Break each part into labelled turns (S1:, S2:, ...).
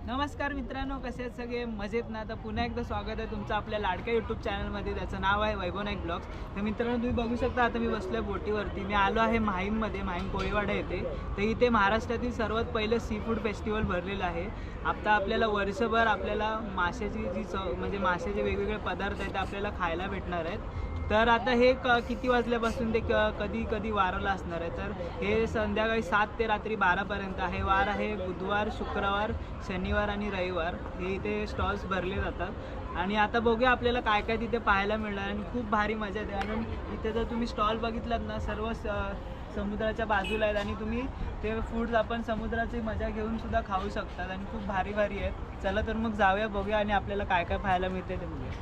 S1: नमस्कार मित्रांनो, कसे आहेत सगळे? मजेत ना? तर पुन्हा एकदा स्वागत आहे तुमचं आपल्या लाडक्या यूट्यूब चॅनलमध्ये. त्याचं नाव आहे वैभव नाईक ब्लॉग्स. तर मित्रांनो, तुम्ही बघू शकता आता मी बसलो आहे बोटीवरती. मी आलो आहे माहीममध्ये, माहीम कोळीवाडा येथे. तर इथे महाराष्ट्रातील सर्वात पहिलं सी फूड फेस्टिवल भरलेलं आहे. आता आपल्याला वर्षभर आपल्याला माशाची जी चव म्हणजे माशाचे वेगवेगळे पदार्थ आहेत ते आपल्याला खायला भेटणार आहेत. तर आता हे किती वाजल्यापासून ते कधी कधी वाराला असणार आहे. तर हे संध्याकाळी 7 ते रात्री 12पर्यंत आहे. वार आहे बुधवार, शुक्रवार, शनिवार आणि रविवार. हे इथे स्टॉल्स भरले जातात. आणि आता बघूया आपल्याला काय काय तिथे पाहायला मिळणार. आणि खूप भारी मजा येते. कारण इथे जर तुम्ही स्टॉल बघितलात ना, सर्व समुद्राच्या बाजूला आहेत आणि तुम्ही ते फूड्स आपण समुद्राची मजा घेऊन सुद्धा खाऊ शकतात. आणि खूप भारी भारी आहेत. चला तर मग जाऊया, बघूया आणि आपल्याला काय काय पाहायला मिळते ते बघूया.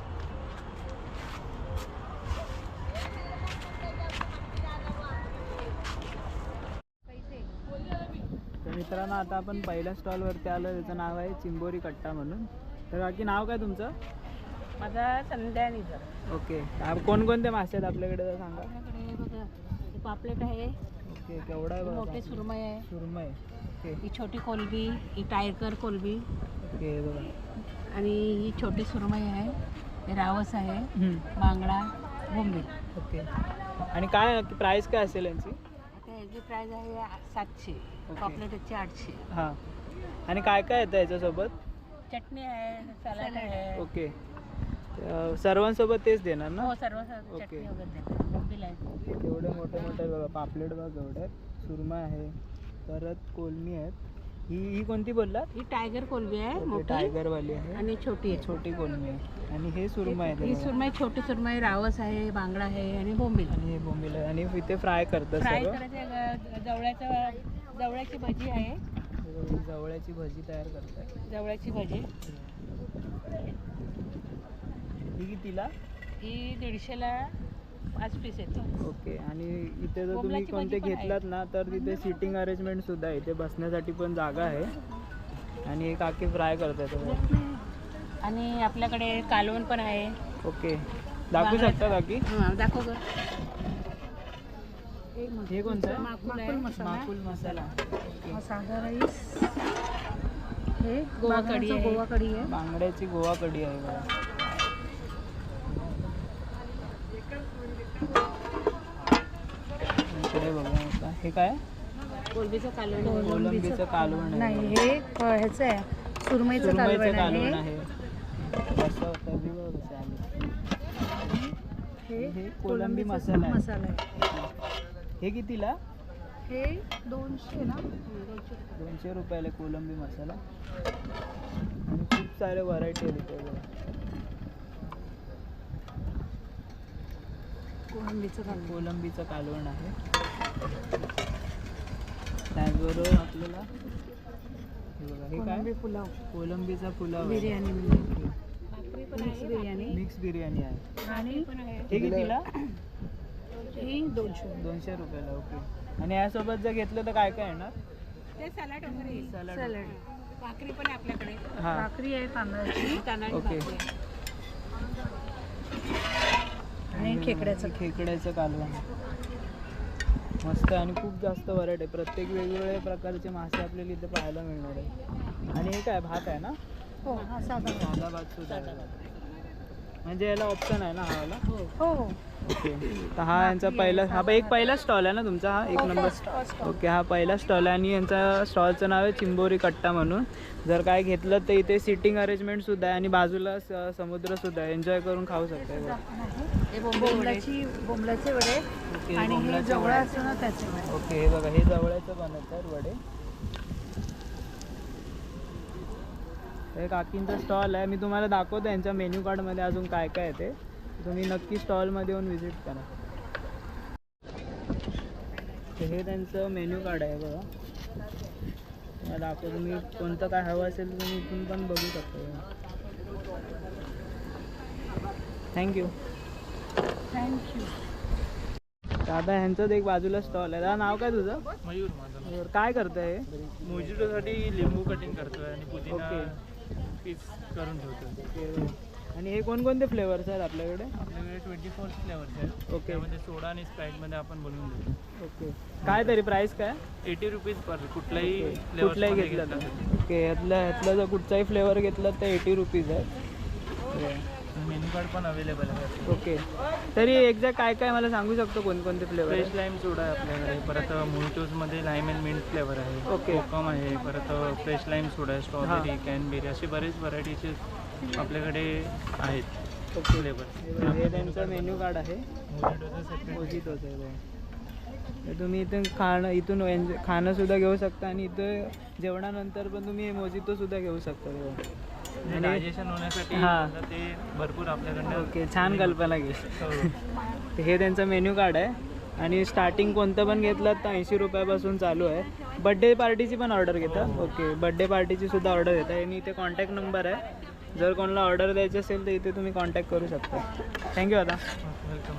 S1: तर मित्रांनो, आता आपण पहिल्या स्टॉलवरती आलो. त्याचं नाव आहे चिंबोरी कट्टा म्हणून. तर बाकी नाव काय तुमचं?
S2: माझा संध्या निजर.
S1: ओके. कोणकोणते मासे आहेत आपल्याकडे तर सांगा.
S2: आपल्याकडे बघा, हे पापलेट आहे.
S1: ओके. केवढा आहे?
S2: मोठे सुरमई आहे.
S1: सुरमई. ओके.
S2: ही छोटी कोलबी, ही टायगर कोलबी.
S1: ओके बघा.
S2: आणि ही छोटी सुरमई आहे. हे रावस आहे. बांगडा, बोंबील.
S1: ओके. आणि काय प्राईस काय असेल यांची?
S2: आता याची प्राईस आहे 700. पापलेटची 800.
S1: हां. आणि काय काय येतं याच्यासोबत?
S2: चटणी आहे, सलाड आहे.
S1: ओके. सर्वांसोबत तेच देणार ना?
S2: हो, सर्व चटणी वगैरे. बोंबील आहे.
S1: एवढे मोठे मोठे बघा पापलेट बघा एवढे. सुरमई आहे, परत कोलमी आहेत. ही कोणती बोललात?
S2: ही टायगर कोलबी आहे, मोठी.
S1: टायगरवाली आहे.
S2: आणि छोटी आहे.
S1: छोटी कोलमी आहे. आणि हे सुरमई आहे.
S2: ही सुरमई, छोटी सुरमई, रावस आहे, बांगडा आहे आणि बोंबील.
S1: आणि हे बोंबील आहे. आणि इथे फ्राय करतात.
S2: फ्राय करायचे. जवळ्याची भजी आहे.
S1: जवळ्याची भजी तयार करतात.
S2: जवळ्याची भजी
S1: ही कितीला?
S2: ही 150ला 5 पीस येते.
S1: ओके. आणि इथे जर तुम्ही
S2: बोंबलाची
S1: कोणते
S2: भजी पण
S1: घेतलात ना, तर तिथे सीटिंग अरेंजमेंट सुद्धा आहे. इथे बसण्यासाठी पण जागा आहे. आणि एक काकी फ्राय करतात.
S2: आणि आपल्याकडे कालवण पण आहे.
S1: ओके. दाखवू शकता काकी?
S2: हां, दाखव ग.
S1: हे कोणतं आहे?
S2: माकुल मसाला.
S1: ओके.
S2: साधा राईस. हे गोवा कढी आहे. गोवा कढी आहे.
S1: बांगड्याची गोवा कढी आहे बघा. इकडे बघा आता हे काय?
S2: कोलंबीचं कालवण.
S1: कोलंबीचं कालवण आहे.
S2: नाही, हे ह्याचं आहे, सुरमईचं कालवण आहे.
S1: कसं होतं बी बघा कसं आलं. हे कोलंबी मसाला आहे. हे कितीला?
S2: हे 200 ना.
S1: 200 रुपयाला कोलंबी मसाला. आणि खूप सारे व्हरायटी आहेत इथे बघा. कोलंबीचं कालवण आहे. त्याचबरोबर आपल्याला हे बघा, हे काय?
S2: पुलाव.
S1: कोलंबीचा पुलाव,
S2: बिर्याणी,
S1: मिक्स बिर्याणी आहे.
S2: आणि
S1: हे कितीला?
S2: ही 200
S1: रुपयाला. ओके. आणि यासोबत जर घेतलं तर काय काय येणार?
S2: ते सलाड वगैरे.
S1: सलाड.
S2: भाकरी पण आहे आपल्याकडे.
S1: हां.
S2: भाकरी आहे तांदळाची.
S1: ओके.
S2: आणि
S1: खेकड्याचं कालवण मस्त. आणि खूप जास्त व्हरायटी आहे. प्रत्येक वेगवेगळ्या प्रकारचे मासे आपल्याला इथे पाहायला मिळणार आहे. आणि हे काय भात आहे ना?
S2: हो,
S1: साधा भात सुद्धा आहे. म्हणजे याला ऑप्शन आहे ना हा वाला?
S2: हो.
S1: ओके. तर हा यांचा पहिला स्टॉल आहे ना तुमचा? हा 1 नंबर. ओके. हा पहिला स्टॉल आहे. आणि यांचा स्टॉलचं नाव आहे चिंबोरी कट्टा म्हणून. जर काय घेतलं तर इथे सिटिंग अरेंजमेंट सुद्धा आहे. आणि बाजूला समुद्र सुद्धा आहे. एन्जॉय करून खाऊ शकता.
S2: बोंबलाचे वडे.
S1: ओके.
S2: आणि हे जवळ असतं ना त्याचे वडे.
S1: ओके. हे बघा, हे जवळचं बनवतात वडे. हे काकींचा स्टॉल आहे. मी तुम्हाला दाखवतो यांच्या मेन्यू कार्डमध्ये अजून काय काय आहे ते. तुम्ही नक्की स्टॉलमध्ये येऊन व्हिजिट करा. हे त्यांचं मेन्यू कार्ड आहे बघा. मला दाखवतो. तुम्ही कोणतं काय हवं असेल तुम्ही इथून पण बघू शकता. थँक्यू. दादा ह्यांचंच एक बाजूला स्टॉल आहे. दादा नाव काय तुझं?
S3: मयूर. माझं
S1: काय करतंय?
S3: मोजिटोसाठी लिंबू कटिंग करतोय आणि पुदिना
S1: ओके.
S3: पीस करून ठेवतोय.
S1: ओके. आणि हे कोणकोणते फ्लेवर्स आहेत आपल्याकडे?
S3: आपल्याकडे 24 फ्लेवर्स आहेत.
S1: ओके.
S3: त्यामध्ये सोडा आणि स्प्राईटमध्ये आपण बनवून देतो.
S1: ओके. काय तरी प्राईस काय?
S3: 80 रुपीज पर कुठलाही
S1: कुठलाही
S3: फ्लेवर
S1: घेतलं तर ओके. ह्यातला जर कुठचाही फ्लेवर घेतला तर 80 रुपीज आहे.
S3: मेन्यू कार्ड पण अवेलेबल आहे.
S1: ओके. तरी एक्झॅक्ट काय काय मला सांगू शकतो कोणकोणते फ्लेवर?
S3: फ्रेश लाईम सोडा आहे आपल्याकडे. परत मोहितोजमध्ये लाईम अँड मिंट फ्लेवर आहे.
S1: ओके.
S3: कोकम आहे. परत फ्रेश लाईम सोडा आहे. स्ट्रॉबेरी, कॅनबेरी अशी बरेच व्हरायटीचे आपल्याकडे आहेत
S1: ओके.
S3: फ्लेवर.
S1: हे त्यांचं मेन्यू कार्ड आहे.
S3: मोहितोचं सेपरेट.
S1: मोजितोचं आहे. तर तुम्ही इथून खाणं सुद्धा घेऊ शकता आणि इथं जेवणानंतर पण तुम्ही मोजितो सुद्धा घेऊ शकता. आणि
S3: डायजेशन होण्यासाठी
S1: हां.
S3: ते भरपूर आपल्याकडनं.
S1: ओके. छान कल्पना घे.
S3: हो.
S1: हे त्यांचं मेन्यू कार्ड आहे आणि स्टार्टिंग कोणतं पण घेतलं तर 80 रुपयापासून चालू आहे. बड्डे पार्टीची पण ऑर्डर घेता? ओके. बड्डे पार्टीची सुद्धा ऑर्डर घेता आणि इथे कॉन्टॅक्ट नंबर आहे. जर कोणाला ऑर्डर द्यायची असेल तर इथे तुम्ही कॉन्टॅक्ट करू शकता. थँक्यू आता.
S3: वेलकम.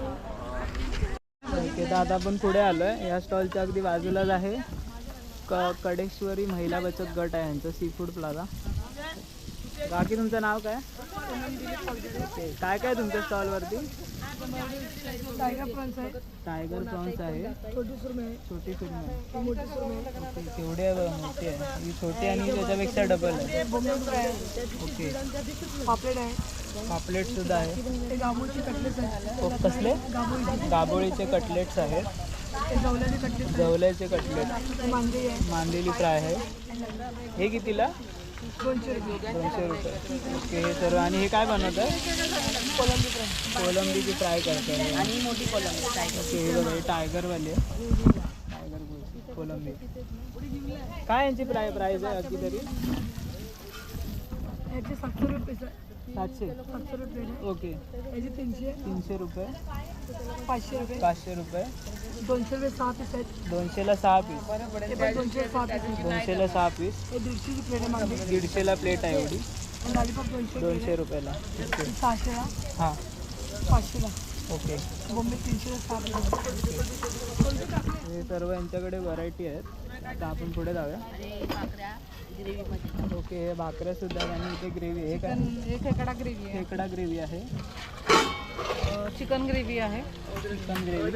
S1: ओके. तर आता आपण पुढे आलो आहे. या स्टॉलच्या अगदी बाजूलाच आहे कडेश्वरी महिला बचत गट आहे यांचं सी फूड प्लाझा. बाकी तुमचं नाव काय? ओके. काय काय तुमच्या स्टॉलवरती?
S2: टायगर प्रॉन्स आहे,
S1: टायगर प्रॉन्स आहे,
S2: छोटी सुरमई आहे,
S1: छोटी सुरमई
S2: मोठी सुरमई आहे,
S1: ओके. केवढी आहे बघा, मोठी आहे ही. छोटी आणि त्याच्यापेक्षा डबल आहे.
S2: बोंबील फ्राय आहे,
S1: ओके.
S2: पापलेट आहे,
S1: पापलेटसुद्धा आहे.
S2: ते गाबोळीचे कटलेट्स आहेत,
S1: ओ, कसले?
S2: गाबोळीचे,
S1: गाबोळीचे कटलेट्स आहेत.
S2: ते जवल्याचे कटलेट्स
S1: जवल्याचे कटलेट,
S2: आहे, मांदेली आहे,
S1: मांदेली फ्राय आहे. हे कितीला?
S2: 200 रुपये,
S1: 200 रुपये. ओके. हे सर्व. आणि हे काय बनवतं?
S2: कोलंबी फ्राय
S1: कोलंबीची फ्राय करतात.
S2: आणि मोठी कोलंबी फ्राय.
S1: ओके. हे बघा, हे टायगरवाले आहे. टायगर कोलंबी. काय यांची प्राईस आहे अगदी तरी?
S2: याचे 700 रुपये आहे,
S1: 700.
S2: 700 रुपये आहे.
S1: ओके.
S2: याचे 300,
S1: 300 रुपये,
S2: 500 रुपये,
S1: 500 रुपये,
S2: 200 रुपये 6 पीस आहेत,
S1: 200ला 6 पीस,
S2: ते पण 200 6 पीस आहेत.
S1: 200ला 6 पीस,
S2: हे 150ची प्लेट आहे मांदेली,
S1: 150ला प्लेट आहे एवढी,
S2: आणि लॉलीपॉप 200
S1: 200 रुपयाला. ओके.
S2: 600ला,
S1: हां.
S2: 500ला,
S1: ओके.
S2: बोंबील 300ला 6 पीस.
S1: हे सर्व यांच्याकडे व्हरायटी आहेत. आता आपण पुढे जाऊया. ओके. हे भाकऱ्यासुद्धा आहेत आणि इथे ग्रेव्ही आहे. काय?
S2: हे खेकडा ग्रेव्ही आहे,
S1: खेकडा ग्रेव्ही आहे,
S2: चिकन ग्रेव्ही आहे,
S1: चिकन ग्रेव्ही,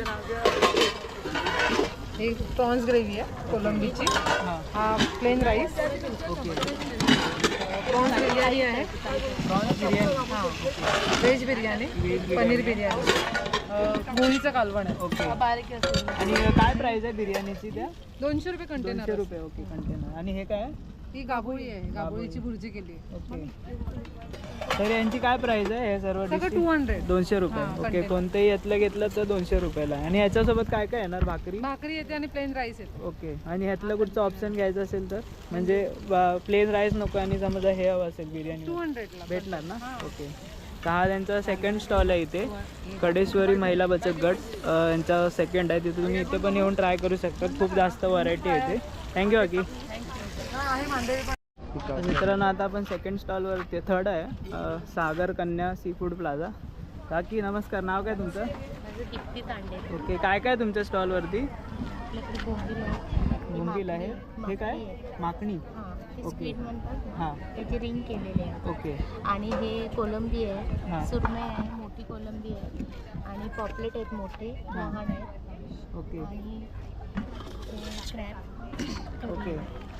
S2: हे प्रॉन्स ग्रेव्ही आहे कोलंबीची,
S1: हां.
S2: हा plain rice,
S1: okay.
S2: Prawns biryani आहे,
S1: प्रॉन्स बिर्याणी,
S2: हां, व्हेज बिर्याणी, पनीर बिर्याणी, गोळीचं कालवण आहे.
S1: ओके.
S2: बारीक असते.
S1: आणि काय प्राईस आहे बिर्याणीची त्या?
S2: 200 रुपये कंटेनर.
S1: 200 रुपये. ओके. कंटेनर. आणि हे काय आहे?
S2: ही गाभोळी आहे, गाभोळीची भुर्जी केली आहे.
S1: ओके. तर यांची काय प्राईस आहे हे सर्व
S2: सगळं
S1: डिशची?
S2: 200.
S1: 200 रुपये.
S2: हां,
S1: ओके.
S2: container.
S1: कोणतेही यातलं घेतलं तर 200 रुपयाला. आणि याच्यासोबत काय काय येणार? भाकरी?
S2: भाकरी येते आणि प्लेन राईस येते.
S1: ओके. आणि ह्यातलं कुठचं ऑप्शन घ्यायचं असेल तर म्हणजे प्लेन राईस नको आणि समजा हे हवं असेल बिर्याणी
S2: 200ला
S1: भेटणार ना?
S2: हां.
S1: ओके. तर हा त्यांचा सेकंड स्टॉल आहे इथे कडेश्वरी महिला बचत गट यांचा सेकंड आहे. तिथे तुम्ही इथे पण येऊन ट्राय करू शकता. खूप जास्त व्हरायटी आहे इथे. थँक्यू बाकी.
S2: आहे मांदेली पण.
S1: मित्रांनो आता आपण सेकंड स्टॉलवरती थर्ड आहे सागर कन्या सी फूड प्लाझा. काकी नमस्कार. नाव काय तुमचं?
S4: माझं दीप्ती तांडे.
S1: ओके. काय काय तुमच्या स्टॉलवरती?
S4: आपल्याकडे बोंबील आहे.
S1: बोंबील आहे. हे काय? माकणी.
S4: हां, हे
S1: ओके.
S4: स्क्वीड म्हणतात ना.
S1: हां.
S4: त्याचे रिंग केलेले आहे.
S1: ओके.
S4: आणि हे कोलंबी
S1: हां.
S4: आहे, सुरमई आहे, मोठी कोलंबी आहे, आणि पॉपलेट आहेत मोठे,
S1: हां.
S4: लहान आहेत,
S1: ओके.
S4: आणि क्रॅब.
S1: ओके.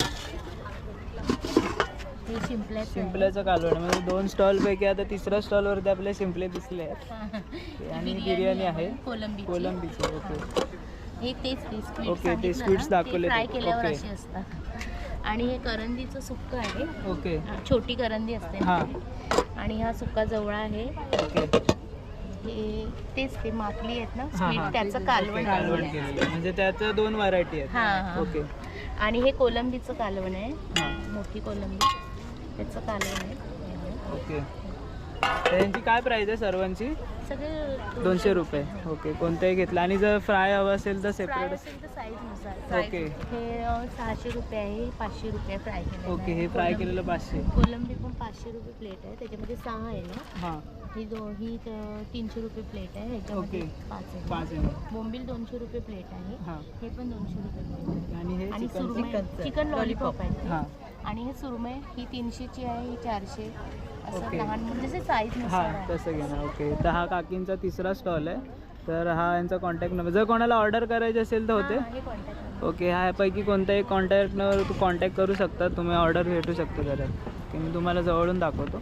S4: हे शिंपल्याचं आहे.
S1: शिंपल्याचं कालवण म्हणजे 2 स्टॉलपैकी आता तिसऱ्या स्टॉलवरती आपले शिंपले दिसले आहेत. आणि बिर्याणी आहे
S4: कोलंबीची.
S1: कोलंबीची. ओके.
S4: हे तेच ते स्क्वीड
S1: ओके, ते स्क्विड्स दाखवले
S4: फ्राय
S1: ते.
S4: केल्यावर
S1: ओके.
S4: असे असतात. आणि हे करंदीचं सुक्क आहे,
S1: ओके.
S4: छोटी करंदी असते ना.
S1: हां.
S4: आणि हा सुक्का जवळा आहे.
S1: ओके.
S4: हे तेच ते माकली आहेत ना
S1: हां,
S4: स्क्वीड,
S1: हां.
S4: त्याचं कालवण
S1: कालवण
S4: केलेलं आहे.
S1: केलेलं म्हणजे त्याचं 2 व्हरायटी आहेत.
S4: हां, हां.
S1: ओके.
S4: आणि हे कोलंबीचं कालवण आहे,
S1: हां.
S4: मोठी कोलंबी, त्याचं कालवण आहे.
S1: ओके. तर यांची काय प्राईस आहे सर्वांची?
S4: सगळे
S1: 200 रुपये. ओके. कोणतंही घेतलं आणि जर फ्राय हवं असेल तर
S4: फ्राय
S1: सेपरेट?
S4: असेल तर साईजनुसार.
S1: ओके.
S4: हे 600 रुपये आहे, 500 रुपये फ्राय केलेलं
S1: ओके.
S4: आहे.
S1: हे फ्राय केलेलं 500.
S4: कोलंबी पण 500 रुपये प्लेट आहे, त्याच्यामध्ये 6 आहे ना.
S1: हां.
S4: ही 300 रुपये प्लेट आहे, ह्याच्यामध्ये
S1: ओके.
S4: 5 आहे.
S1: 5 आहे.
S4: बोंबील 200 रुपये प्लेट आहे,
S1: हां.
S4: हे पण 200 रुपये प्लेट आहे.
S1: आणि हे
S4: आणि
S1: चिकन?
S4: सुरमई चिकन लॉलीपॉप आहे.
S1: हां.
S4: आणि हे सुरमई ही 300ची आहे, ही 400. असं
S1: ओके.
S4: लहान म्हणजे जसे साईज
S1: हां
S4: नुसार आहे.
S1: तसं घेणार. ओके, तर हा काकींचा तिसरा स्टॉल आहे. तर हा यांचा कॉन्टॅक्ट नंबर, जर कोणाला ऑर्डर करायची असेल तर होते.
S4: हां, हे कॉन्टॅक्ट नंबर.
S1: ओके, ह्यापैकी कोणत्याही कॉन्टॅक्टवर तू कॉन्टॅक्ट करू शकता, तुम्ही ऑर्डर भेटू शकतो घरात. की मी तुम्हाला जवळून दाखवतो.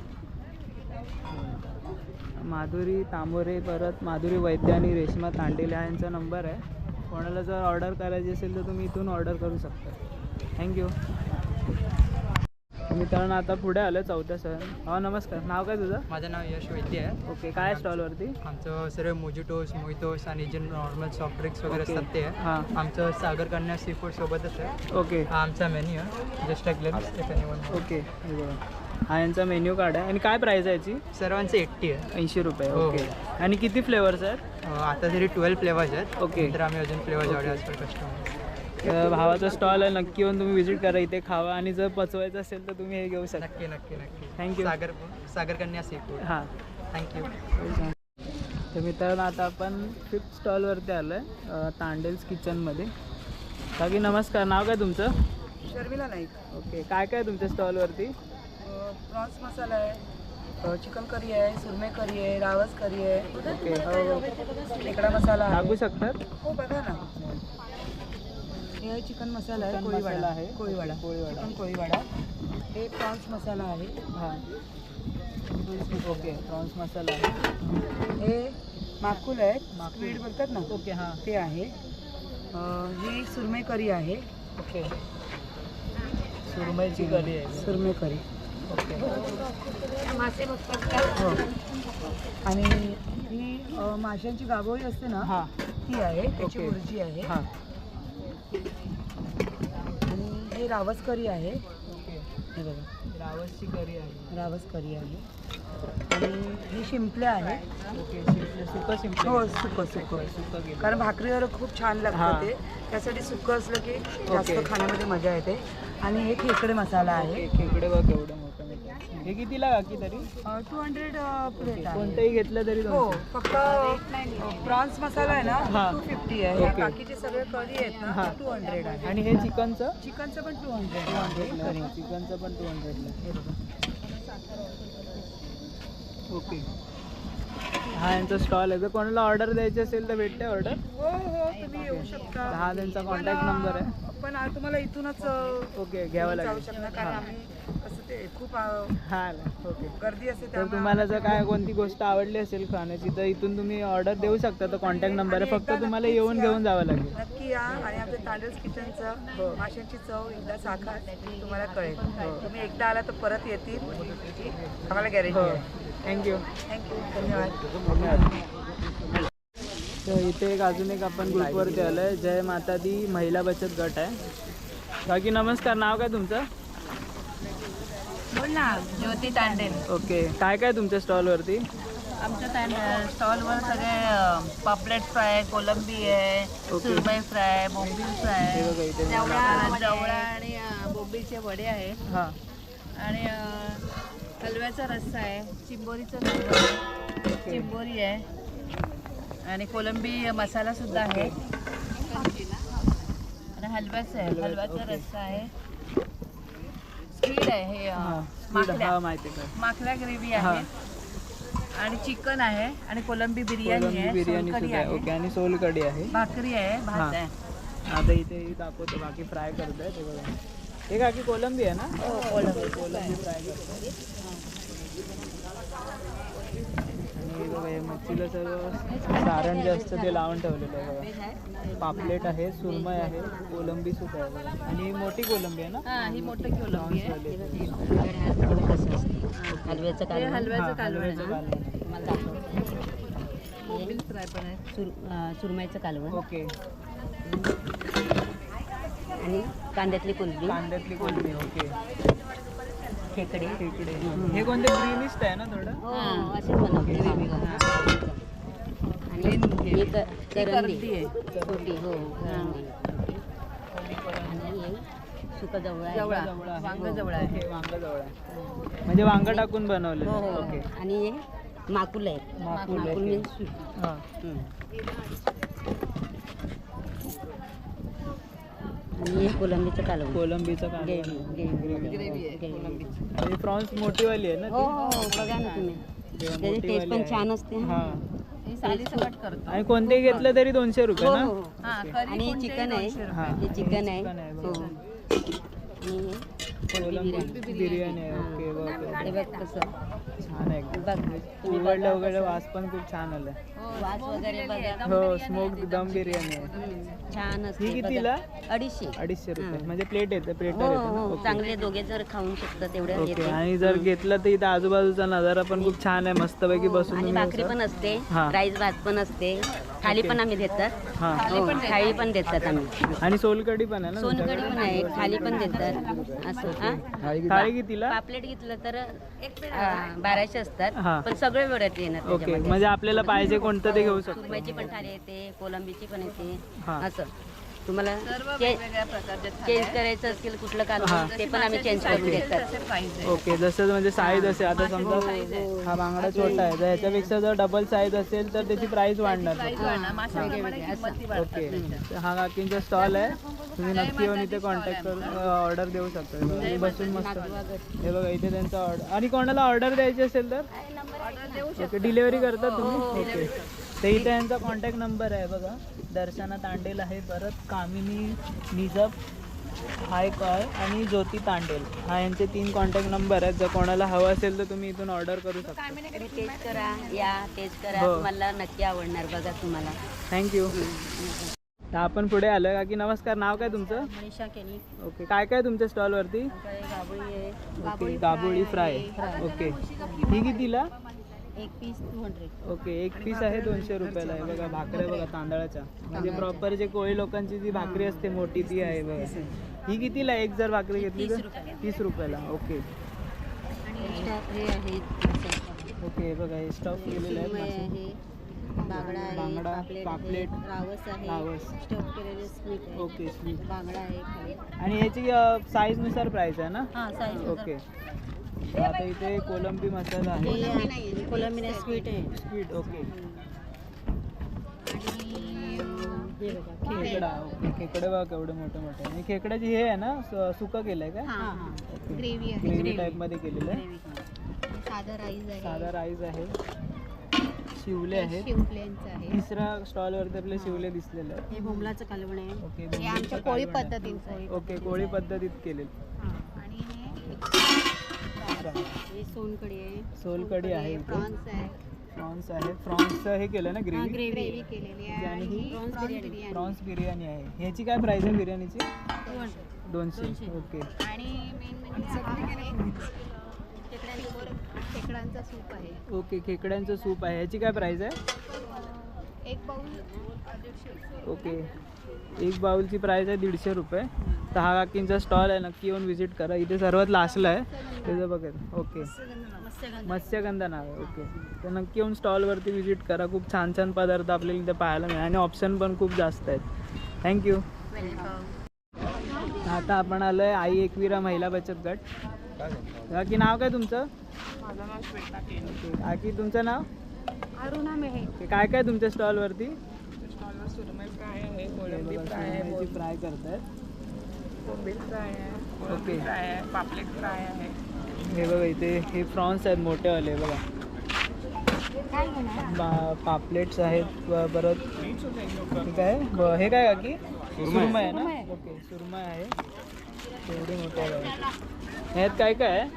S1: माधुरी तांबोरे, परत माधुरी वैद्य आणि रेश्मा तांडेले हा यांचा नंबर आहे. कोणाला जर ऑर्डर करायची असेल तर तुम्ही इथून ऑर्डर करू शकता. थँक्यू. मित्रांनो आता पुढे आलं चौथ्या सण. हा नमस्कार, नाव काय तुझं?
S5: माझं नाव यश वैद्य आहे.
S1: ओके, काय आहे स्टॉलवरती?
S5: आमचं सर्व मोजिटोस मोहितोस आणि जे नॉर्मल सॉफ्ट ड्रिंक्स वगैरे
S1: ओके.
S5: असतात ते आहे.
S1: हां.
S5: आमचं सागर कन्या सी फूड सोबतच आहे.
S1: ओके
S5: हा आमचा मेन्यू आहे. Just a glimpse if anyone.
S1: Okay, हे बघा. हा यांचा मेन्यू कार्ड आहे. आणि काय प्राईस आहे याची?
S5: सर्वांचे 80 आहे.
S1: 80 रुपये.
S5: हो.
S1: ओके, आणि किती फ्लेवर्स आहेत?
S5: आता तरी 12 फ्लेवर्स आहेत.
S1: ओके.
S5: तर आम्ही अजून flavours order as per customer.
S1: तर भावाचा स्टॉल आहे, नक्की येऊन तुम्ही व्हिजिट करा, इथे खावा. आणि जर पचवायचं असेल तर तुम्ही हे घेऊ शकता.
S5: नक्की नक्की नक्की.
S1: थँक्यू.
S5: सागर कन्या सी फूड.
S1: हां.
S5: थँक्यू.
S1: तर मित्रांनो आता आपण 5th स्टॉलवरती आलो आहे, तांडेल्स किचनमध्ये. बाकी नमस्कार, नाव काय तुमचं?
S6: शर्मिला नाईक.
S1: ओके, काय काय तुमच्या स्टॉलवरती?
S6: प्रॉन्स मसाला आहे, चिकन करी आहे, सुरमई करी आहे, रावस करी आहे,
S1: ओके,
S6: खेकडा मसाला
S1: सांगू
S6: आहे.
S1: शकतात?
S6: हो बघा ना, हे चिकन मसाला आहे,
S1: चिकन
S6: कोळीवाडा
S1: मसाला आहे.
S6: कोळीवाडा
S1: कोळीवाडा.
S6: चिकन कोळीवाडा. हे प्रॉन्स मसाला आहे.
S1: हां. ओके, प्रॉन्स मसाला आहे.
S6: हे माकुल आहेत,
S1: माकुल.
S6: स्क्विड बोलतात ना,
S1: ओके, हां.
S6: ते आहे. ही सुरमई करी आहे.
S1: ओके, सुरमईची कढी आहे.
S6: सुरमई करी.
S1: ओके,
S4: मासे बघतात का?
S6: हो. आणि ही माशांची गाभोळी असते ना,
S1: हां.
S6: ती आहे, त्याची
S1: ओके.
S6: भुर्जी आहे.
S1: हां.
S6: आणि हे रावस करी आहे.
S1: ओके,
S6: हे बघा,
S1: रावसची कढी आहे.
S6: रावस करी आहे. आणि ही शिंपले आहे.
S1: ओके, सुकं शिंपले.
S6: हो, सुकं सुकं.
S1: सुकं केलं.
S6: कारण भाकरीवर खूप छान
S1: हां.
S6: लागतं ते, त्यासाठी सुकं असलं की जास्त
S1: ओके.
S6: खाण्यामध्ये मजा येते. आणि हे खेकडे मसाला आहे.
S1: ओके, खेकडे बघ एवढं मोठं मोठं. हे कितीला काकी तरी?
S6: 200 प्लेट आहे.
S1: कोणतंही घेतलं तरी
S6: हो,
S1: 200.
S6: फक्त प्रॉन्स मसाला आहे ना,
S1: हां.
S6: 250 आहे.
S1: ओके.
S6: बाकीचे सगळे करी आहेत ना,
S1: हां.
S6: 200 आहे.
S1: आणि हे चिकनचं?
S6: चिकनचं पण 200
S1: 200 चिकनचं पण 200ला.
S6: हे बघा.
S1: ओके, हा यांचा स्टॉल आहे. जर कोणाला ऑर्डर द्यायची असेल तर भेटते ऑर्डर?
S6: हो हो, तुम्ही येऊ शकता.
S1: हा त्यांचा कॉन्टॅक्ट नंबर आहे.
S6: पण तुम्हाला इथूनच
S1: ओके, घ्यावं
S6: जाऊ
S1: लागेल.
S6: शकता, कारण
S1: हां.
S6: आम्ही कसं ते खूप
S1: हां, ओके.
S6: गर्दी असते,
S1: तर
S6: त्यामुळे
S1: तुम्हाला जर काय कोणती गोष्ट आवडली असेल खाण्याची तर इथून तुम्ही ऑर्डर देऊ शकता. तर कॉन्टॅक्ट नंबर आहे,
S6: आणि
S1: फक्त
S6: एकदा
S1: तुम्हाला
S6: नक्कीच
S1: येऊन
S6: या.
S1: घेऊन जावं लागेल.
S6: नक्की या. आणि आमच्या तांडेल्स किचनचं माशांची चव एकदा चाखा, तुम्हाला कळेल. तुम्ही एकदा आला तर परत येतील, आम्हाला गॅरेंटी
S1: हो,
S6: आहे.
S1: थँक्यू.
S6: थँक्यू, धन्यवाद.
S1: धन्यवाद. तर इथे अजून एक आपण ग्रुपवरती आलो आहे, जय माता दी महिला बचत गट आहे. बाकी नमस्कार, नाव काय तुमचं?
S2: बोल ना, ज्योती तांडेल.
S1: ओके, काय काय तुमच्या स्टॉलवरती?
S2: आमच्या स्टॉलवर सगळे पापलेट फ्राय, कोलंबी आहे,
S1: ओके.
S2: सुरमई फ्राय, बोंबील फ्राय,
S1: हे बघा इथे
S2: जवळा आणि बोंबीलचे वडे आहे.
S1: हां.
S2: आणि हलव्याचा रस्सा आहे, चिंबोरीचं कालवण आहे, चिंबोरी आहे आणि कोलंबी मसाला सुद्धा आहे. आणि हलव्याचं आहे, हलव्याचा
S1: ओके.
S2: रस्सा आहे, स्क्विड आहे, हे
S1: हां,
S2: माकड्या
S1: हां माहिती आहे.
S2: माकड्या ग्रेव्ही
S1: हां.
S2: आहे आणि चिकन आहे आणि कोलंबी बिर्याणी
S1: कोलंबी
S2: आहे,
S1: बिर्याणी
S2: सोलकढी
S1: सुद्धा आहे.
S2: आहे,
S1: ओके, आणि सोलकढी आहे.
S2: भाकरी आहे,
S1: हां.
S2: भात आहे.
S1: आता इथे दाखवतो, बाकी फ्राय करतोय ते बघा. हे काकी कोलंबी आहे ना? कोलंबी फ्राय करतो. आणि बघा हे मच्छीला सर्व सारण जे असतं ते लावून ठेवलेलं आहे बघा. पापलेट आहे, सुरमई आहे, कोलंबी सुद्धा आहे बघा. आणि ही मोठी कोलंबी आहे ना?
S2: हां, ही मोठी कोलंबी आहे.
S7: हलव्याचं
S2: हे
S7: कालवण
S2: हलव्याचं
S1: हां,
S2: कालवण
S1: हलव्याचं
S2: आहे.
S1: कालवण आहे.
S7: तुम्हाला दाखवतो.
S2: बोंबील फ्राय पण आहे.
S7: सुरमईचं कालवण
S1: ओके,
S7: आणि कांद्यातली कोलंबी,
S1: कांद्यातली कोलंबी. ओके,
S7: खेकडे
S1: खेकडे. हे कोणते ग्रीनिस्ट आहे ना थोडं?
S7: हां, असेच बनवते आणि हे करंदी
S2: करंदी आहे.
S7: छोटी, हो करंदी. आणि हे सुकं जवळ आहे.
S2: जवळा,
S1: जवळ आहे.
S2: वांग
S1: हो,
S2: जवळ आहे.
S1: ओके, वांग जवळ आहे. म्हणजे वांग टाकून बनवलेलं
S7: हो,
S1: आहे.
S7: हो.
S1: ओके,
S7: आणि हे माकुल आहेत.
S1: माकुल आहे.
S7: माकुल म्हणजे स्वीट.
S1: हां.
S7: आणि हे कोलंबीचं कालवण.
S1: कोलंबीचं कालवण. प्रॉन्स मोठीवाली आहे ना
S7: हो हो बघा ना तुम्ही, त्याची टेस्ट पण छान असते.
S1: हा.
S2: ही साली सकट करतो.
S1: आणि कोणतेही घेतलं तरी 200 रुपये
S7: हो
S1: ना.
S7: हो.
S2: हा,
S1: ओके.
S2: करी
S7: आणि
S2: कोणतेही
S7: चिकन आहे,
S2: 200
S1: हा.
S7: हे चिकन आहे.
S1: चिकन आहे,
S7: हो.
S1: बरोबर.
S7: आणि हे
S1: कोलंबी बिर्याणी आहे. ओके
S7: हे
S1: बघ
S7: बघ कसं
S1: छान आहे एकदम.
S7: बघ तुम्ही
S1: उघडलं
S7: बघा
S1: वगैरे
S7: कसं.
S1: वास पण खूप छान आलाय.
S7: वास वगैरे बघा.
S1: हो स्मोक दम बिर्याणी आहे.
S7: छान असते.
S1: ही कितीला?
S7: बघा. 250.
S1: 250 रुपये
S7: हा.
S1: म्हणजे प्लेट येते, प्लेटर
S7: हो
S1: येते ना.
S7: हो
S1: ओके.
S7: चांगले दोघे जर खाऊन शकतात तेवढे
S1: ओके
S7: येते.
S1: आणि जर घेतलं तर इथं आजूबाजूचा नजारा पण खूप छान आहे, मस्तपैकी बसून
S7: आणि
S1: तुम्ही
S7: भाकरी
S1: असं-
S7: पण असते,
S1: हा.
S7: राईस भात पण असते, थाली पण आम्ही देतात.
S1: हा.
S7: हो, थाळी पण देतात आम्ही.
S1: आणि सोलकढी पण आहे ना
S7: सोनकढी
S1: तुमच्याकडे?
S7: पण आहे, थाली पण देतात असं. हा?
S1: थाळी कितीला?
S7: पापलेट घेतलं तर 1200 असतात,
S1: हा.
S7: पण सगळे व्हरायटी येणार
S1: ओके
S7: त्याच्यामध्ये.
S1: म्हणजे आपल्याला पाहिजे कोणतं ते घेऊ शकतो.
S7: सुरमईची पण थाली येते, कोलंबीची पण येते,
S1: हा.
S7: असं तुम्हाला
S2: सर्व
S7: चे-
S2: वेगवेगळ्या प्रकारचे
S7: चेंज करायचं असेल कुठलं
S1: हा.
S7: कालवण ते पण आम्ही चेंज करून देतात.
S1: ओके जसं म्हणजे साईज असेल आता समजा हा बांगडा छोटा आहे तर ह्याच्यापेक्षा जर डबल साईज असेल तर त्याची प्राइस वाढणार. ओके तर हा काकींचा स्टॉल आहे, तुम्ही नक्की येऊन इथे कॉन्टॅक्ट करून ऑर्डर देऊ शकता. हे बघा, बसून मस्त हे बघा इथे त्यांचा ऑर्डर. आणि कोणाला ऑर्डर द्यायची असेल तर ओके डिलेवरी करतात तुम्ही. ओके तर इथे यांचा कॉन्टॅक्ट नंबर आहे बघा. दर्शना तांडेल आहे, परत कामिनी निजप हाय कॉय आणि ज्योती तांडेल हा यांचे 3 कॉन्टॅक्ट नंबर आहेत. जर कोणाला हवं असेल तर तुम्ही इथून ऑर्डर करू शकता.
S7: तुम्ही टेस्ट करा, या टेस्ट करा,
S1: हो.
S7: तुम्हाला नक्की आवडणार बघा तुम्हाला.
S1: थँक्यू. तर आपण पुढे आलो काकी. नमस्कार, नाव काय तुमचं?
S7: मनीषा केनी.
S1: ओके काय काय तुमच्या स्टॉलवरती?
S7: गाबळी आहे,
S1: ओके गाबोळी फ्राय. ओके ही कितीला?
S7: एक पीस 200.
S1: ओके एक पीस आहे 200 रुपयाला आहे. बघा भाकऱ्या बघा तांदळाच्या, म्हणजे प्रॉपर जे कोळी लोकांची जी भाकरी असते मोठी ती आहे बघा. ही कितीला एक जर भाकरी घेतली तर? 30 रुपयाला. ओके
S7: हे आहे
S1: ओके बघा हे स्टॉक केलेलं आहे.
S7: आहे, बांगडा आहे,
S1: बांगडा, पापलेट,
S7: रावस आहे,
S1: रावस.
S7: स्टफ केलेले स्वीट आहे,
S1: ओके स्वीट.
S7: बांगडा आहे खाली.
S1: आणि याची साईजनुसार प्राईस आहे ना?
S7: हां साईज
S1: ओके आता इथे कोलंबी मसाला आहे.
S7: हे कोलंबी स्वीट आहे.
S1: Sweet okay.
S7: हे बघा
S1: खेकडा. ओके खेकडे बघा केवढे मोठे मोठे. आणि खेकड्याची हे आहे ना सुकं केलंय का?
S4: ग्रेव्ही आहे,
S1: ग्रेव्ही टाईप मध्ये केलेलं आहे.
S4: साधा राईस आहे,
S1: साधा राईस आहे, शिवले आहेत.
S4: शिवप्लेनचं आहे.
S1: तिसऱ्या स्टॉल वरती आपले शिवले दिसलेले आहेत.
S7: हे भोमलाचं कालवण आहे.
S1: ओके
S4: हे आमच्या कोळी पद्धतीचं आहे.
S1: ओके कोळी पद्धतीत केलेलं.
S4: आणि
S7: हे सोनकढी आहे,
S1: सोलकढी आहे
S4: हे
S1: इथे.
S4: प्रॉन्स आहे,
S1: प्रॉन्स आहे. प्रॉन्सचं हे केलं ना ग्रेव्ही.
S4: ग्रेव्ही केलेली आहे.
S1: आणि ही
S4: प्रॉन्स बिर्याणी
S1: प्रॉन्स बिर्याणी आहे. ह्याची काय प्राइस आहे बिर्याणीची? 200. ओके
S4: आणि मेन म्हणजे खेकड्यांचा सूप आहे.
S1: ओके खेकड्यांचं सूप आहे. ह्याची काय प्राइस आहे?
S4: एक बाउल 150.
S1: ओके एक बाउलची प्राइस आहे 150 रुपये. तर हा काकींचा स्टॉल आहे, नक्की येऊन व्हिजिट करा. इथे सर्वात लास्टला आहे त्याचं बघा. ओके मत्स्यगंधा नाव आहे. ओके तर नक्की येऊन स्टॉलवरती व्हिजिट करा. खूप छान छान पदार्थ आपल्याला इथे पाहायला मिळेल आणि ऑप्शन पण खूप जास्त आहेत. थँक्यू. आता आपण आलो आहे आई एकविरा महिला बचत गट. काकी नाव काय तुमचं?
S6: माझं नाव श्वेता केनी.
S1: ओके काकी तुमचं नाव?
S4: अरुणा मेहे.
S1: ओके काय काय तुमच्या स्टॉलवरती?
S6: स्टॉलवर सुरमई फ्राय आहे, कोलंबी फ्राय आहे,
S1: फ्राय करतायत.
S6: बोंबील फ्राय आहे, कोलंबी
S1: ओके.
S6: फ्राय आहे, पापलेट फ्राय आहे.
S1: हे बघा इथे हे प्रॉन्स आहेत मोठेवाले बघा. पापलेट्स आहेत परत. ठीक आहे हे काय काकी? सुरमई आहे ना? ओके सुरमई आहे एवढी मोठे आहे. ह्यात काय काय आहे?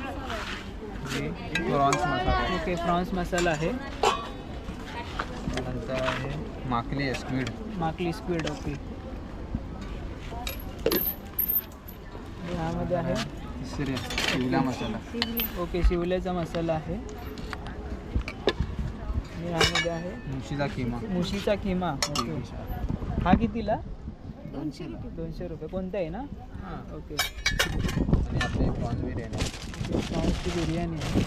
S8: Prawns masala
S1: okay prawns masala आहे.
S8: नंतर आहे माकली आहे, स्क्विड.
S1: माकली स्क्विड. ओके ह्यामध्ये आहे
S8: तिसरी शिवला मसाला.
S1: ओके शिवल्याचा मसाला आहे. आणि ह्यामध्ये आहे
S8: मुशीचा किमा.
S1: मुशीचा किमा. ओके हा कितीला? 200 रुपये. कोणता आहे ना?
S8: हां.
S1: ओके
S8: आणि आपली प्रॉन्स बिर्याणी.
S1: प्रॉन्सची बिर्याणी आहे.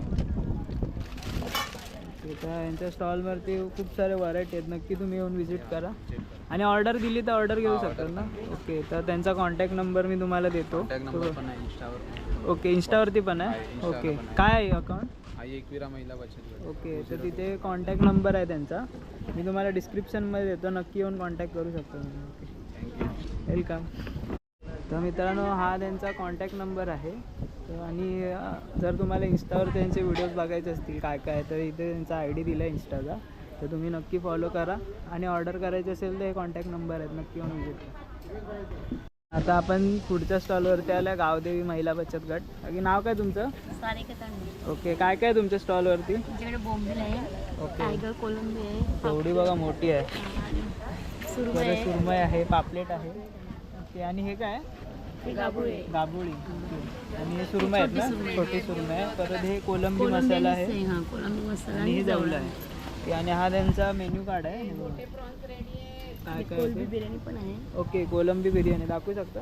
S1: ओके तर यांच्या स्टॉलवरती खूप सारे व्हरायटी आहेत. नक्की तुम्ही येऊन व्हिजिट करा आणि ऑर्डर दिली तर ऑर्डर घेऊ शकता ना? ओके तर त्यांचा कॉन्टॅक्ट नंबर मी तुम्हाला देतो.
S8: कॉन्टॅक्ट नंबर पण आहे इंस्टावर.
S1: ओके इंस्टावरती पण आहे.
S8: इंस्टावर
S1: ओके
S8: पण आहे.
S1: काय आहे अकाउंट?
S8: आई एकविरा महिला बचत गट.
S1: ओके तर तिथे कॉन्टॅक्ट नंबर आहे त्यांचा, मी तुम्हाला डिस्क्रिप्शनमध्ये देतो. नक्की येऊन कॉन्टॅक्ट करू शकता तुम्ही. Okay
S8: thank you.
S1: वेलकम. तर मित्रांनो हा त्यांचा कॉन्टॅक्ट नंबर आहे. आणि जर तुम्हाला इंस्टावर त्यांचे व्हिडिओज बघायचे असतील काय काय तर इथे त्यांचा ID दिला आहे इंस्टाचा. तर तुम्ही नक्की फॉलो करा आणि ऑर्डर करायची असेल तर हे कॉन्टॅक्ट नंबर आहेत, नक्की येऊन व्हिजिट करा. आता आपण पुढच्या स्टॉलवरती आल्या गावदेवी महिला बचत गट. बाकी नाव काय तुमचं? ओके. काय काय तुमच्या स्टॉलवरती?
S4: आमच्याकडे बोंबील आहे,
S1: ओके.
S4: टायगर कोलंबी आहे,
S1: एवढी बघा मोठी आहे.
S4: सुरमई आहे,
S1: सुरमई आहे, पापलेट आहे. ओके. आणि हे काय?
S4: गाभुळे आहे.
S1: गाबोळी. ओके. आणि हे सुरमई आहेत ना, छोटी सुरमई आहे. परत हे कोलंबी
S4: कोलंबी
S1: मसाला आहे
S4: आहे, हां कोलंबी मसाला
S1: आणि हे
S4: आणि
S1: जवळ आहे. ओके. आणि हा त्यांचा मेन्यू कार्ड आहे. काय काय
S4: कोलंबी
S1: आहे?
S4: बिर्याणी पण आहे.
S1: ओके. कोलंबी बिर्याणी दाखवू शकता?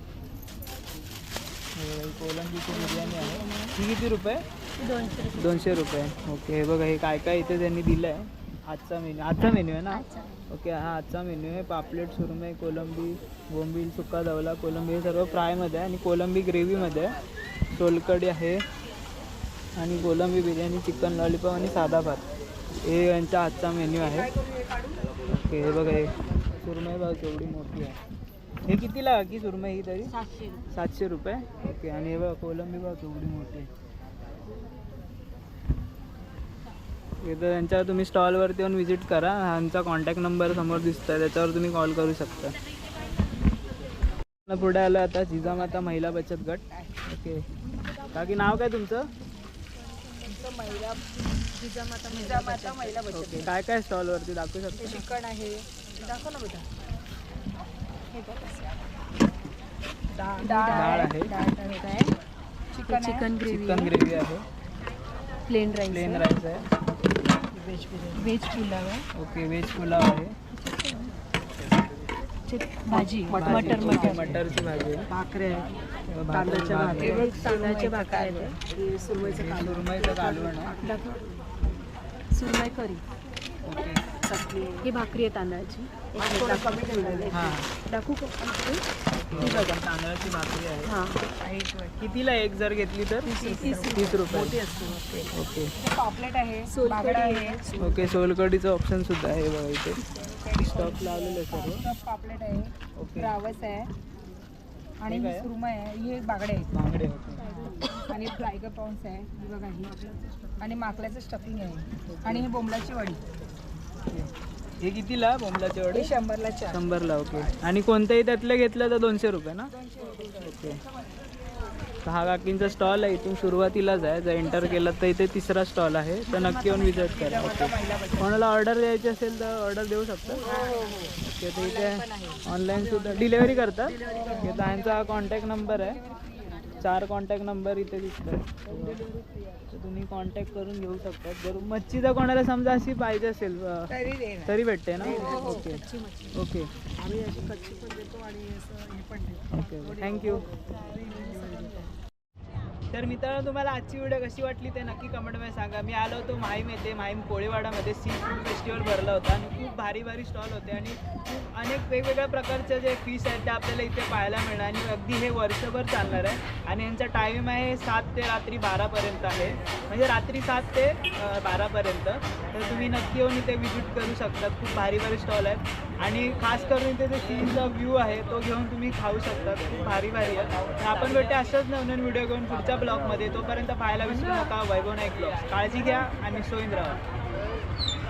S1: हे बघा, ही कोलंबीची बिर्याणी आहे. ही किती रुपये? 200 रुपये. ओके. हे बघा हे काय काय इथे त्यांनी दिलं आहे. आजचा मेन्यू आहे ना? ओके. हा आजचा मेन्यू आहे. पापलेट, सुरमई, कोलंबी, बोंबील, सुका दवला, कोलंबी हे सर्व फ्रायमध्ये आहे आणि कोलंबी ग्रेव्हीमध्ये आहे. सोलकढी आहे आणि कोलंबी बिर्याणी, चिकन लॉलीपॉप आणि साधा भात हे यांचा आजचा मेन्यू आहे. ओके. हे बघा हे सुरमई बघा केवढी मोठी आहे. हे कितीला की सुरमई ही तरी? 700 रुपये. ओके. आणि हे बघा कोलंबी बघा केवढी मोठी आहे. इथं त्यांच्या तुम्ही स्टॉलवरती येऊन व्हिजिट करा. ह्यांचा कॉन्टॅक्ट नंबर समोर दिसतोय, त्याच्यावर तुम्ही कॉल करू शकता. पुढे आलं आता जिजामाता महिला बचत गट. ओके. बाकी नाव काय तुमचं?
S6: जिजामाता महिला बचत.
S1: ओके. काय काय स्टॉलवरती दाखवू शकता?
S6: चिकन आहे, दाखव ना बेटा.
S1: डाळ आहे,
S4: चिकन ग्रेव्ही,
S1: चिकन ग्रेव्ही आहे,
S4: प्लेन राईस,
S1: प्लेन राईस आहे,
S4: व्हेज पुलाव आहे,
S1: ओके. व्हेज पुलाव आहे,
S4: भाजी
S1: मटरची भाजी आहे,
S6: भाकरे आहे,
S1: तांदळाच्या
S6: तांदळाच्या भाकरी आहेत,
S1: सुरमईचं कालवण आहे.
S4: सुरमई करी,
S1: ओके.
S4: ही भाकरी आहे तांदळाची.
S1: हां.
S4: दाखवू का?
S1: ही बघा तांदळाची भाकरी आहे.
S4: हां.
S1: कितीला एक जर घेतली तर? 30 रुपये. ओके.
S6: पॉपलेट आहे,
S4: सोलकढी
S6: आहे,
S1: ओके. सोलकढीचं ऑप्शन सुद्धा आहे बघा इथे स्टॉक लावलेलं आहे सर्व.
S6: पॉपलेट आहे,
S1: ओके.
S6: रावस आहे आणि
S1: हे
S6: ही
S1: काय?
S6: सुरमई आहे, ही एक बागडे आहे
S1: बांगडे होते.
S6: आणि टायगर प्रॉन्स आहे, ही बघा ही आणि माकल्याचं स्टफिंग आहे आणि ही बोंबलाची वडी.
S1: हे कितीला बोंबलाचे वडे?
S6: हे 100ला 4.
S1: 100ला. ओके. आणि कोणत्याही त्यातलं घेतलं तर 200 रुपये ना? ओके. तर हा काकींचा स्टॉल आहे, इथून सुरुवातीलाच आहे. जर एंटर केलं तर इथे तिसरा स्टॉल आहे, तर नक्की येऊन विजिट करा. ओके. कोणाला ऑर्डर द्यायची असेल तर ऑर्डर देऊ शकता. ओके. तर इथे ऑनलाईन सुद्धा डिलेवरी करतात. ओके. तर यांचा हा कॉन्टॅक्ट नंबर आहे, 4 कॉन्टॅक्ट नंबर इथे दिसतात. तर तुम्ही कॉन्टॅक्ट करून घेऊ शकता. जर मच्छी जर कोणाला समजा अशी पाहिजे असेल
S6: तरी देणार.
S1: तरी भेटते ना? ओके. ओके.
S6: आम्ही अशी कच्ची पण देतो आणि असं हे पण देतो.
S1: ओके. थँक्यू. तर मित्रांनो तुम्हाला आजची व्हिडिओ कशी वाटली ते नक्की कमेंटमध्ये सांगा. मी आलो होतो माहीम येथे, माहीम कोळीवाडामध्ये सी फूड फेस्टिवल भरला होता आणि खूप भारी भारी स्टॉल होते आणि खूप अनेक वेगवेगळ्या प्रकारचे जे फिश आहेत ते आपल्याला इथे पाहायला मिळणार आणि अगदी हे वर्षभर चालणार आहे. आणि यांचा टाईम आहे 7 ते रात्री 12पर्यंत आहे, म्हणजे रात्री 7 ते 12पर्यंत. तर तुम्ही नक्की येऊन इथे व्हिजिट करू शकता. खूप भारी भारी स्टॉल आहेत आणि खास करून इथे जे सीचा व्ह्यू आहे तो घेऊन तुम्ही खाऊ शकता. खूप भारी भारी आहे. आपण भेटू अशाच नवीन व्हिडिओ घेऊन पुढच्या ब्लॉगमध्ये. तोपर्यंत पाहायला विसरू नका वैभव नाईक ब्लॉग. काळजी घ्या आणि सोयीन राहा.